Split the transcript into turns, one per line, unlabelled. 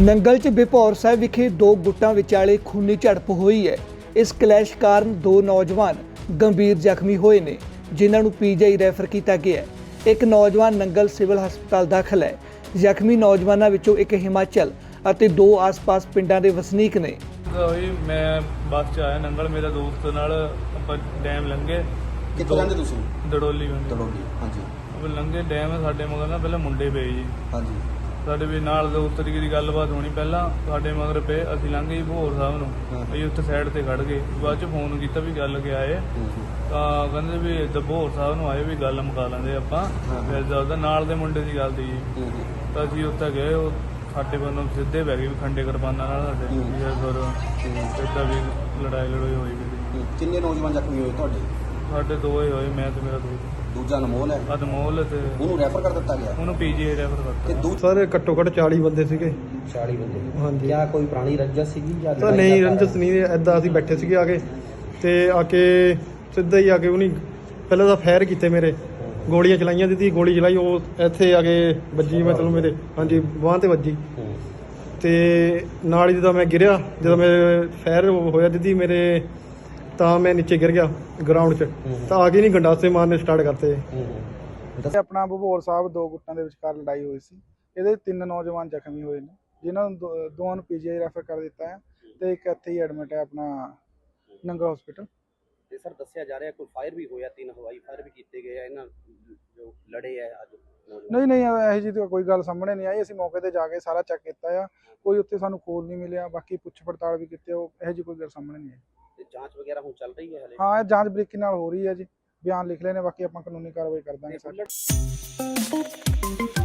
ਨੰਗਲ 'ਚ ਬਿਪੌਰ ਸਾਹਿਬ ਵਿਖੇ ਦੋ ਗੁੱਟਾਂ ਵਿਚਾਲੇ ਖੂਨੀ ਝੜਪ ਹੋਈ ਹੈ। ਇਸ ਕਲੈਸ਼ ਕਾਰਨ ਦੋ ਨੌਜਵਾਨ ਗੰਭੀਰ ਜ਼ਖਮੀ ਹੋਏ ਨੇ, ਜਿਨ੍ਹਾਂ ਨੂੰ ਪੀਜੀਆਈ ਰੈਫਰ ਕੀਤਾ ਗਿਆ ਹੈ। ਇੱਕ ਨੌਜਵਾਨ ਨੰਗਲ ਸਿਵਲ ਹਸਪਤਾਲ ਦਾਖਲ ਹੈ। ਜ਼ਖਮੀ ਨੌਜਵਾਨਾਂ ਵਿੱਚੋਂ ਇੱਕ ਹਿਮਾਚਲ ਅਤੇ ਦੋ ਆਸ-ਪਾਸ ਪਿੰਡਾਂ ਦੇ ਵਸਨੀਕ ਨੇ।
ਮੈਂ ਬੱਸ 'ਚ ਆਇਆ ਨੰਗਲ, ਮੇਰਾ ਦੋਸਤ ਨਾਲ ਆਪਾਂ ਡੈਮ ਲੰਘੇ।
ਕਿੱਥੋਂ ਜਾਂਦੇ ਤੁਸੀਂ?
ਦੜੋਲੀ ਬੰਦੇ
ਦੜੋਲੀ, ਹਾਂਜੀ।
ਆਪਾਂ ਲੰਘੇ ਡੈਮ, ਸਾਡੇ ਮਗਰ ਨਾ ਪਹਿਲਾਂ ਮੁੰਡੇ ਪਏ ਜੀ।
ਹਾਂਜੀ।
ਸਾਡੇ ਵੀ ਨਾਲ ਦੋਸਤ ਤਰੀਕੇ ਦੀ ਗੱਲਬਾਤ ਹੋਣੀ, ਪਹਿਲਾਂ ਸਾਡੇ ਮਗਰ ਪਏ, ਅਸੀਂ ਲੰਘੇ ਜੀ ਭੋਰ ਸਾਹਿਬ ਨੂੰ। ਅਸੀਂ ਉੱਥੇ ਸਾਈਡ ਤੇ ਖੜ ਗਏ, ਬਾਅਦ 'ਚ ਫੋਨ ਕੀਤਾ ਵੀ ਗੱਲ ਕਿ ਆਏ ਤਾਂ ਕਹਿੰਦੇ ਵੀ ਇੱਦਾਂ ਭੋਰ ਸਾਹਿਬ ਨੂੰ ਆਏ ਵੀ ਗੱਲ ਮੁਕਾ ਲੈਂਦੇ ਆਪਾਂ। ਫਿਰ ਜਦੋਂ ਨਾਲ ਦੇ ਮੁੰਡੇ ਦੀ ਗੱਲ ਦੀ ਜੀ, ਤਾਂ ਅਸੀਂ ਉੱਥੇ ਗਏ। ਉਹ ਸਾਡੇ ਵੱਲੋਂ ਸਿੱਧੇ ਬਹਿ ਗਏ ਵੀ ਖੰਡੇ ਕੁਰਬਾਨਾਂ ਨਾਲ ਸਾਡੇ ਫਿਰ ਇੱਦਾਂ ਵੀ ਲੜਾਈ ਹੋਈ ਵੀ।
ਕਿੰਨੇ ਨੌਜਵਾਨ ਜ਼ਖਮੀ ਹੋਏ ਤੁਹਾਡੇ?
ਸਾਡੇ ਦੋ ਹੀ ਹੋਏ, ਮੈਂ ਤੇ ਮੇਰਾ ਦੋਸਤ।
ਦੂਜਾ ਅਨਮੋਲ ਹੈ?
ਅਨਮੋਲ ਤੇ
ਉਹਨੂੰ ਰੈਫਰ ਕਰ ਦਿੱਤਾ ਗਿਆ?
ਉਹਨੂੰ ਪੀਜੀਆਈ ਰੈਫਰ ਕਰਤਾ।
ਤੇ
ਸਰ ਘੱਟੋ ਘੱਟ 40 ਬੰਦੇ ਸੀਗੇ।
40 ਬੰਦੇ?
ਹਾਂਜੀ।
ਕਿਆ ਕੋਈ ਪੁਰਾਣੀ ਰੰਜਿਸ਼ ਸੀਗੀ ਜਾਂ
ਤਾਂ ਨਹੀਂ, ਰੰਜਸ ਨਹੀਂ, ਐਦਾਂ ਅਸੀਂ ਬੈਠੇ ਸੀਗੇ ਆ ਕੇ, ਤੇ ਆ ਕੇ ਸਿੱਧਾ ਹੀ ਆ ਕੇ ਉਹਨੇ ਪਹਿਲਾਂ ਤਾਂ ਫਾਇਰ ਕੀਤੇ, ਮੇਰੇ ਗੋਲੀਆਂ ਚਲਾਈਆਂ, ਦਿੱਤੀ ਗੋਲੀ ਚਲਾਈ, ਉਹ ਇੱਥੇ ਆ ਕੇ ਵੱਜੀ, ਮਤਲਬ ਮੇਰੇ ਹਾਂਜੀ ਬਾਂਹ ਤੇ ਵੱਜੀ। ਤੇ ਨਾਲ ਹੀ ਜਦੋਂ ਮੈਂ ਗਿਰਿਆ, ਜਦੋਂ ਮੇਰੇ ਫਾਇਰ ਹੋਇਆ ਦਿੱਤੀ ਮੇਰੇ, ਤਾਂ ਮੈਂ ਨੀਚੇ ਗਿਰ ਗਿਆ ਗਰਾਊਂਡ 'ਚ। ਤਾਂ ਆ ਕੇ ਨਹੀਂ ਗੰਡਾਸੇ ਮਾਰਨੇ ਸਟਾਰਟ ਕਰਤੇ।
ਆਪਣਾ ਭਬੋਰ ਸਾਹਿਬ ਦੋ ਗੁੱਟਾਂ ਦੇ ਵਿਚਕਾਰ ਲੜਾਈ ਹੋਈ ਸੀ। ਇਹਦੇ 3 ਨੌਜਵਾਨ ਜ਼ਖਮੀ ਹੋਏ ਨੇ, ਜਿਨ੍ਹਾਂ ਨੂੰ ਦੋਵਾਂ ਨੂੰ ਪੀਜੀਆਈ ਰੈਫਰ ਕਰ ਦਿੱਤਾ ਹੈ ਤੇ ਇੱਕ ਇੱਥੇ ਹੀ ਐਡਮਿਟ ਹੈ ਆਪਣਾ ਨੰਗਲ ਹਸਪੀਟਲ।
ਤੇ ਸਰ ਦੱਸਿਆ ਜਾ ਰਿਹਾ ਕੋਈ ਫਾਇਰ ਵੀ ਹੋਇਆ, 3 ਹਵਾਈ ਫਾਇਰ ਵੀ ਕੀਤੇ ਗਏ ਆ ਇਹਨਾਂ ਜੋ ਲੜੇ ਆ ਅੱਜ।
ਨਹੀਂ ਇਹੋ ਜਿਹੀ ਤਾਂ ਕੋਈ ਗੱਲ ਸਾਹਮਣੇ ਨਹੀਂ ਆਈ। ਅਸੀਂ ਮੌਕੇ ਤੇ ਜਾ ਕੇ ਸਾਰਾ ਚੈੱਕ ਕੀਤਾ ਆ, ਕੋਈ ਉੱਥੇ ਸਾਨੂੰ ਖੋਲ ਨਹੀਂ ਮਿਲਿਆ। ਬਾਕੀ ਪੁੱਛ ਪੜਤਾਲ ਵੀ ਕੀਤੀ, ਉਹ ਇਹੋ ਜਿਹੀ ਕੋਈ ਗੱਲ ਸਾਹਮਣੇ ਨਹੀਂ ਆਈ।
ਤੇ ਜਾਂਚ ਵਗੈਰਾ ਹੁਣ ਚੱਲ ਰਹੀ ਹੈ ਹਲੇ?
ਹਾਂ, ਇਹ ਜਾਂਚ ਬਰੀਕੀ ਨਾਲ ਹੋ ਰਹੀ ਹੈ ਜੀ। ਬਿਆਨ ਲਿਖ ਲਏ ਨੇ, ਬਾਕੀ ਆਪਾਂ ਕਾਨੂੰਨੀ ਕਾਰਵਾਈ ਕਰ ਦਾਂਗੇ ਸਰ।